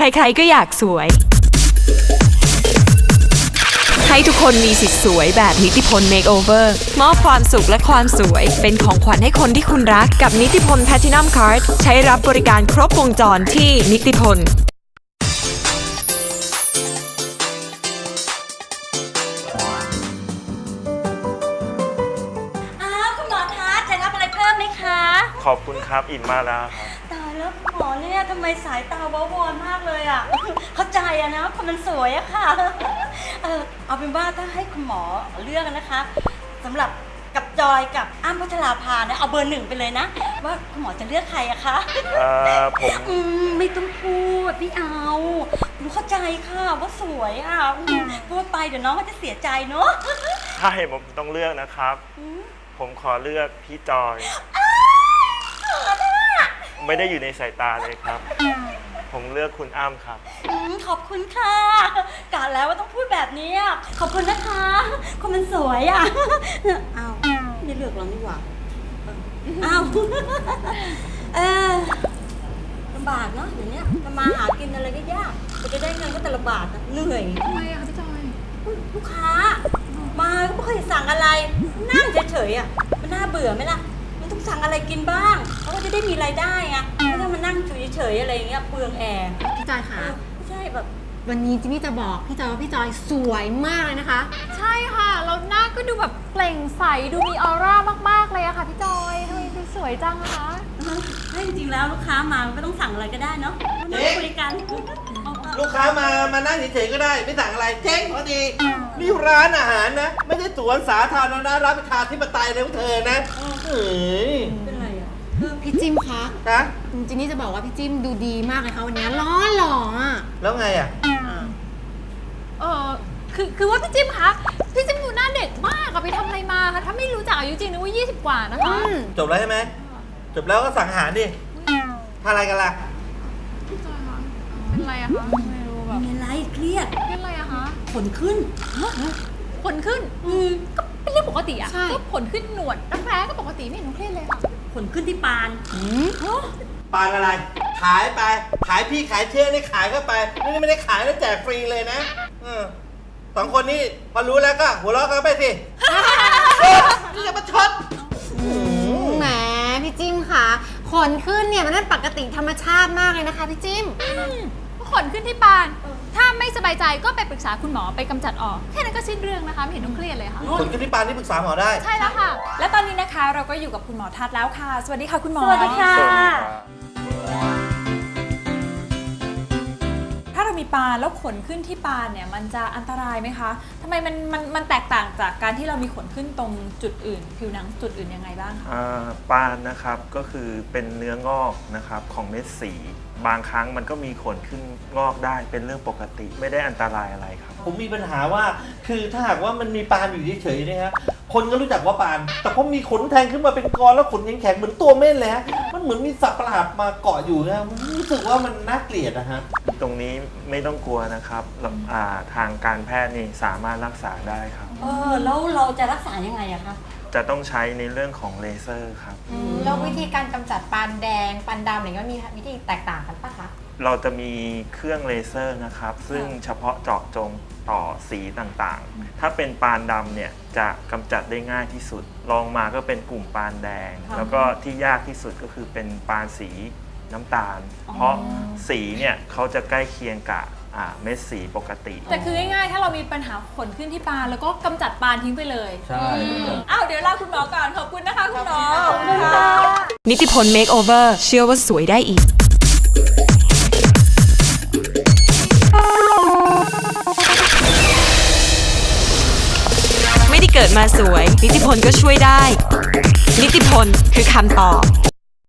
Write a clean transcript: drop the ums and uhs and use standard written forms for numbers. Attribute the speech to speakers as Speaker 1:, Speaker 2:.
Speaker 1: ใครๆก็อยากสวยให้ทุกคนมีสิทธิ์สวยแบบนิติพล Makeover มอบความสุขและความสวยเป็นของขวัญให้คนที่คุณรักกับนิติพล Platinum Card ใช้รับบริการครบวงจรที่นิติพล
Speaker 2: คุณหมอทัศน์จะรับอะไรเพิ่มไหมคะ
Speaker 3: ขอบคุณครับอิ่มมากแล้วครับ
Speaker 2: ตายแล้วคุณหมอเนี่ยทำไมสายตาว้าวอนมากเลยอ่ะ เข้าใจอะนะคนมันสวยอะค่ะ เอาเป็นว่าถ้าให้คุณหมอเลือกนะคะสำหรับกับจอยกับอ้ำพัชราภาเนี่ยเอาเบอร์ 1ไปเลยนะว่าคุณหมอจะเลือกใครอะคะ
Speaker 3: ผม
Speaker 2: ไม่ต้องพูดไม่เอาหนูเข้าใจค่ะว่าสวยอ่ะพูดไปเดี๋ยวน้องก็จะเสียใจเนาะ
Speaker 3: ถ้าให้ผมต้องเลือกนะครับ ผมขอเลือกพี่จอย ไม่ได้อยู่ในสายตาเลยครับ ผมเลือกคุณอ้ำครับ
Speaker 2: ขอบคุณค่ะกะแล้วว่าต้องพูดแบบนี้ขอบคุณนะคะคนมันสวยอ่ะอ้าวไม่เลือกเรานี่หว่าอ้าวลำบากเนาะอย่างเนี้ยทำมาหากินอะไรก็ยากจะได้เงินก็แต่ละบาทนะเหนื่อย
Speaker 4: ทำไมอะคะพี่จอย
Speaker 2: ลูกค้ามาก็ไม่เคยสั่งอะไรนั่งเฉยๆอ่ะมันน่าเบื่อไหมล่ะมันต้องสั่งอะไรกินบ้างเขาก็จะได้มีรายได้ไงไม่ใช่มานั่งเฉยๆอะไรอย่างเงี้ยเปลืองแอร์
Speaker 4: พี่จอยค่ะ
Speaker 2: ไม่ใช่แบบ
Speaker 4: วันนี้จิมมี่จะบอกพี่จอยว่าพี่จอยสวยมากเลยนะคะ
Speaker 5: ใช่ค่ะแล้วหน้าก็ดูแบบเปล่งใสดูมีออร่ามากๆเลยอะค่ะพี่จอยทำไมดูสวยจังอะคะ
Speaker 2: ถ้าจริงๆแล้วลูกค้ามาไม่ต้องสั่งอะไรก็ได้เนาะมานั่งคุยกัน
Speaker 6: ลูกค้ามานั่งเฉยๆก็ได้ไม่สั่งอะไรเจ๊งพอดีนี่ร้านอาหารนะ ไม่ใช่สวนสาธารณะรับประทานที่ปไตยเลยของเธอนะเฮ้ย
Speaker 2: เป็นไรอ่ะ
Speaker 4: พี่จิมคะ
Speaker 6: นะ
Speaker 4: จินนี่จะบอกว่าพี่จิมดูดีมากเลยค่ะวันนี้ล้อหล่ออ่ะ
Speaker 6: แล้วไงอ่ะ
Speaker 5: คือว่าพี่จิมคะพี่จิมดูหน้าเด็กมากอะไปทำอะไรมาคะถ้าไม่รู้จักอายุจริงนึกว่า20 กว่านะคะ
Speaker 6: จบแล้วใช่ไหมจบแล้วก็สั่งอาหารดิทานอะไรกันล่ะ
Speaker 5: พี่จอยคะเป็นไรอะคะไม่รู้แบบ
Speaker 2: มีอะไรเครียด
Speaker 5: เป็นไรอะคะ
Speaker 2: ขนขึ้น
Speaker 5: ผลขึ้นก็เป็นเรื่องปกติอะ
Speaker 4: ใช่
Speaker 5: ก็ผลขึ้นหนวดรักแร้ก็ปกติไม่เห็นต้องเครียดเลยค่ะ
Speaker 2: ขนขึ้นที่ปาน
Speaker 6: ปานอะไร ขายไป ขายพี่ขายเชื่อนี่ขายก็ไปนี่ไม่ได้ขายแล้วแจกฟรีเลยนะสองคนนี้พอรู้แล้วก็หัวเราะกันไปสินี่จะมาช็อต
Speaker 4: แหมพี่จิมค่ะขนขึ้นเนี่ยมันนั่นปกติธรรมชาติมากเลยนะคะพี่จิม
Speaker 5: ก็ขนขึ้นที่ปาน ถ้าไม่สบายใจก็ไปปรึกษาคุณหมอไปกำจัดออกแค่นั้นก็สิ้นเรื่องนะคะไม่เห็นต้องเครียดเลยค่ะ
Speaker 6: คนขึ้นที่ปานที่ปรึกษาหมอได้
Speaker 5: ใช่แล้วค่ะ
Speaker 7: และตอนนี้นะคะเราก็อยู่กับคุณหมอทัศน์แล้วค่ะ สวัสดีค่ะคุณหมอ
Speaker 2: สวัสดีค่ะ
Speaker 7: ถ้าเรามีปานแล้วขนขึ้นที่ปานเนี่ยมันจะอันตรายไหมคะทำไมมันแตกต่างจากการที่เรามีขนขึ้นตรงจุดอื่น ผิวหนังจุดอื่นยังไงบ้างคะ
Speaker 3: ปานนะครับก็คือเป็นเนื้องอกนะครับของเม็ดสี บางครั้งมันก็มีขนขึ้นงอกได้เป็นเรื่องปกติ ไม่ได้อันตรายอะไรครับ
Speaker 6: ผมมีปัญหาว่าคือถ้าหากว่ามันมีปานอยู่เฉยๆเนี่ยฮะคนก็รู้จักว่าปาน แต่พอมีขนแทงขึ้นมาเป็นกรแล้วขนแข็งๆเหมือนตัวเม่นเลยฮะมันเหมือนมีสัตว์ประหลาดมาเกาะอยู่นะมันรู้สึกว่ามันน่าเกลียดนะฮะ
Speaker 3: ตรงนี้ไม่ต้องกลัวนะครับทางการแพทย์นี่สามารถรักษาได้ครับ
Speaker 2: แล้วเราจะรักษายังไงอะคะ
Speaker 3: จะต้องใช้ในเรื่องของเลเซอร์ครับ
Speaker 4: แล้ววิธีการกำจัดปานแดงปานดำอะไรก็มีวิธีแตกต่างกันปะคะ
Speaker 3: เราจะมีเครื่องเลเซอร์นะครับ ซึ่งเฉพาะเจาะจงต่อสีต่างๆ ถ้าเป็นปานดำเนี่ยจะกำจัดได้ง่ายที่สุดรองมาก็เป็นกลุ่มปานแดง แล้วก็ที่ยากที่สุดก็คือเป็นปานสีน้ำตาล เพราะสีเนี่ยเขาจะใกล้เคียงกับเม็ดสีปกติ
Speaker 7: แต่คือง่ายๆ ถ้าเรามีปัญหาขนขึ้นที่ปานแล้วก็กำจัดปานทิ้งไปเลย
Speaker 6: ใช่
Speaker 7: อ้าวเดี๋ยวลาคุณหมอก่อนขอบคุณนะคะคุณหมอ
Speaker 1: นิติพล Makeover เชื่อว่าสวยได้อีกไม่ได้เกิดมาสวย นิติพลก็ช่วยได้ นิติพลคือคำตอบ